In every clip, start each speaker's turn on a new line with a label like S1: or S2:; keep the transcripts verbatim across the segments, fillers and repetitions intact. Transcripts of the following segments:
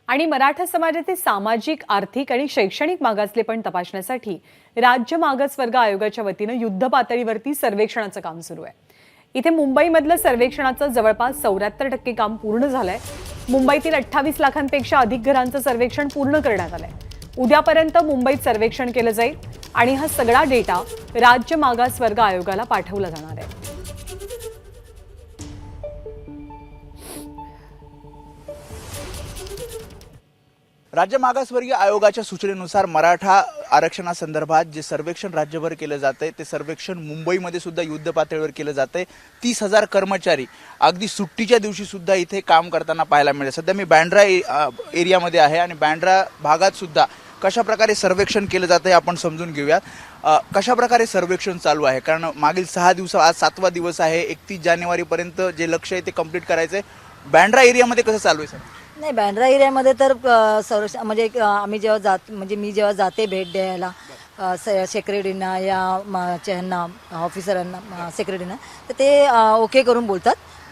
S1: आणि मराठा समाजातील सामाजिक, आर्थिक आणि शैक्षणिक मागासलेपण तपासण्यासाठी राज्य मागासवर्ग आयोगाच्या वतीने युद्ध पातळीवरती सर्वेक्षणाचं काम सुरू आहे। इथे मुंबईमधलं सर्वेक्षणाचं जवळपास चौऱ्याहत्तर टक्के काम पूर्ण झालंय। मुंबईतील अठ्ठावीस लाखांपेक्षा अधिक घरांचं सर्वेक्षण पूर्ण करण्यात आलंय। उद्यापर्यंत मुंबईत सर्वेक्षण केलं जाईल आणि हा सगळा डेटा राज्य मागासवर्ग आयोगाला पाठवला जाणार आहे।
S2: राज्य मागासवर्गीय आयोगाच्या सूचनेनुसार मराठा आरक्षणासंदर्भात जे सर्वेक्षण राज्यभर केलं जातंय ते सर्वेक्षण मुंबईमध्ये सुद्धा युद्ध पातळीवर केलं जातंय। तीस हजार कर्मचारी अगदी सुट्टीच्या दिवशी सुद्धा इथे काम करताना पाहायला मिळेल। सध्या मी बँड्रा एरियामध्ये आहे आणि बँड्रा भागात सुद्धा कशा प्रकारे सर्वेक्षण केलं जातंय आपण समजून घेऊयात। कशा प्रकारे सर्वेक्षण चालू आहे, कारण मागील सहा दिवस आज सातवा दिवस आहे। एकतीस जानेवारीपर्यंत जे लक्ष्य आहे ते कंप्लीट करायचंय। बँड्रा एरियामध्ये कसं चालू आहे सर?
S3: नाही, बँड्रा एरियामध्ये तर संरक्षण म्हणजे आम्ही जेव्हा जात म्हणजे मी जेव्हा जाते भेट द्यायला सेक्रेटरीना या च्यांना ऑफिसरांना सेक्रेटरीना, तर ते ओके करून बोलतात,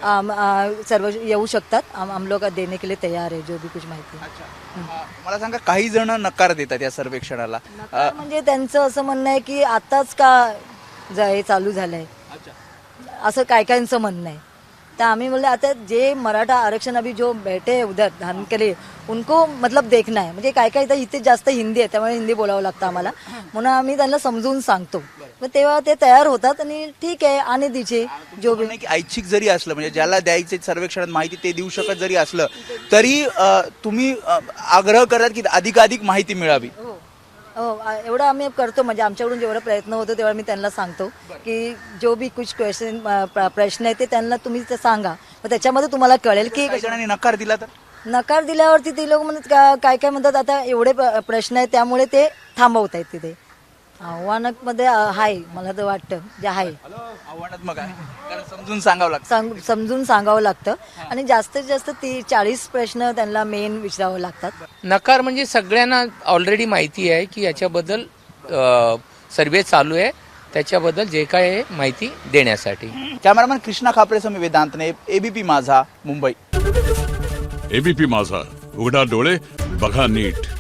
S3: सर्व येऊ शकतात, हम लोग देने के लिए तयार है जो भी कुछ माहिती।
S2: मला सांगा, काही जण नकार देतात या सर्वेक्षणाला,
S3: म्हणजे त्यांचं असं म्हणणं आहे की आताच का हे चालू झालंय, असं काय कायचं म्हणणं आहे। तो हमें बोले आता जे मराठा आरक्षण अभी जो बैठे हैं उधर धान के लिए उनको मतलब देखना है। म्हणजे काय काय तर इथे जास्त हिंदी आहे, त्यामुळे हिंदी बोलावं लागतं आम्हाला, म्हणून आम्ही त्यांना समजून सांगतो। मग तेव्हा ते तयार होतात आणि ठीक आहे आणि दिजे जो भी
S2: की ऐच्छिक जरी असलं, म्हणजे ज्याला द्यायचे सर्वेक्षणात माहिती ते देऊ शकत जरी असलं तरी तुम्ही आग्रह करतात की अधिकाधिक माहिती मिळावी।
S3: हो, एवढं आम्ही करतो, म्हणजे आमच्याकडून जेवढा प्रयत्न होतो तेवढा मी त्यांना सांगतो की जो भी कुछ क्वेश्चन प्रश्न आहे ते त्यांना तुम्ही ते सांगा, मग त्याच्यामध्ये तुम्हाला कळेल की
S2: काही जणांनी नकार दिला तर
S3: नकार दिल्यावरती ते लोक म्हणतात काय काय म्हणतात आता एवढे प्रश्न आहेत त्यामुळे ते थांबवत आहेत। तिथे आव्हानात्मक आहे, मला तर वाटतं जे आहे
S2: आव्हानात्मक आहे, कारण समजून सांगावं लागतं
S3: समजून सांगावं लागतं आणि जास्तीत जास्त ती चाळीस प्रश्न त्यांना मेन विचारावं लागतात।
S4: नकार म्हणजे सगळ्यांना ऑलरेडी माहिती आहे की याच्याबद्दल सर्वे चालू आहे, त्याच्याबद्दल जे काय आहे माहिती देण्यासाठी।
S2: कॅमेरामॅन कृष्णा खापरेसह मी वेदांतने, एबीपी माझा, मुंबई।
S5: एबीपी माझा, उघडा डोळे बघा नीट।